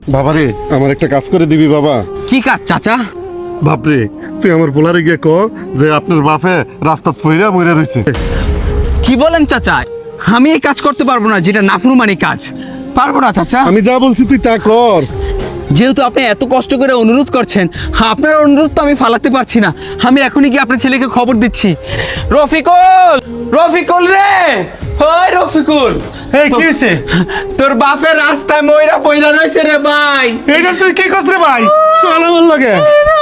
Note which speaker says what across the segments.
Speaker 1: বাবারে আমার একটা কাজ করে দিবি বাবা।
Speaker 2: কি কাজ চাচা?
Speaker 1: বাপরে তুই আমার পোলারে গিয়ে ক যে আপনার বাপে রাস্তা ফইরা মইরা রইছে।
Speaker 2: কি বলেন চাচা? আমি এই কাজ করতে পারবো না, যেটা নাফরমানি কাজ। পারবো না চাচা।
Speaker 1: আমি যা বলছি তুই তা কর।
Speaker 2: যেহেতু আপনি এত কষ্ট করে অনুরোধ করছেন, আপনার অনুরোধ তো আমি ফালাতে পারছি না। আমি এখনই কি আপনার ছেলেকে খবর দিচ্ছি। রফিকুল, রফিকুল রে, ওই রফিকুল,
Speaker 3: এই কি হইছে?
Speaker 2: তোর বাপের রাস্তায় ময়রা পয়রা রইছে রে ভাই।
Speaker 3: এইটা তুই কি করছ রে ভাই?
Speaker 1: চল আমার লাগে।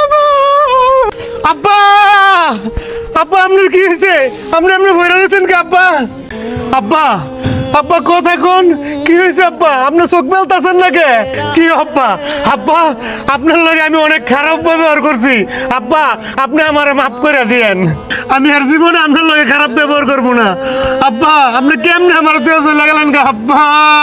Speaker 3: আব্বা, আব্বা আপনার কি হয়েছে? আপনি ভয় রয়েছেন কি আব্বা? আব্বা, আব্বা কথা কোন কি হয়েছে আব্বা? আপনার চোখ মেলতেছেন নাকি? কি আব্বা? আব্বা আপনার লগে আমি অনেক খারাপ ব্যবহার করছি। আব্বা আপনি আমারে মাফ করে দিয়েন। আমি আর জীবনে আপনার লগে খারাপ ব্যবহার করবো না। আব্বা আপনি কেমনে আমার দেওয়া চলে গেলেন গা আব্বা?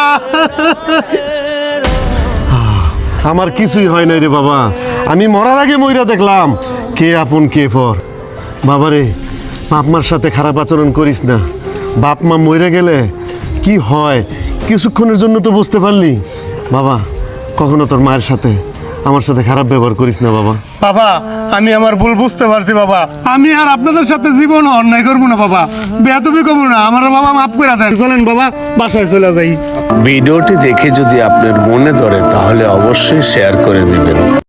Speaker 1: আমার কিছুই হয় নাই রে বাবা। আমি মরার আগে মইরা দেখলাম কে আপন কে পর। বাবারে বাপ মার সাথে খারাপ আচরণ করিস না। বাপ মা মইরা গেলে কি হয় কিছুক্ষণের জন্য তো বুঝতে পারলি। বাবা কখনো তোর মায়ের সাথে আমার সাথে খারাপ ব্যবহার করিস না বাবা।
Speaker 3: বাবা আমি আমার ভুল বুঝতে পারছি বাবা। আমি আর আপনাদের সাথে জীবন অন্যায় করবো না বাবা, বেয়াদবি করবো না। আমার বাবা মাফ করে দেন। চলেন বাবা বাসায় চলে যাই।
Speaker 4: ভিডিওটি দেখে যদি আপনার মনে ধরে তাহলে অবশ্যই শেয়ার করে দিবেন।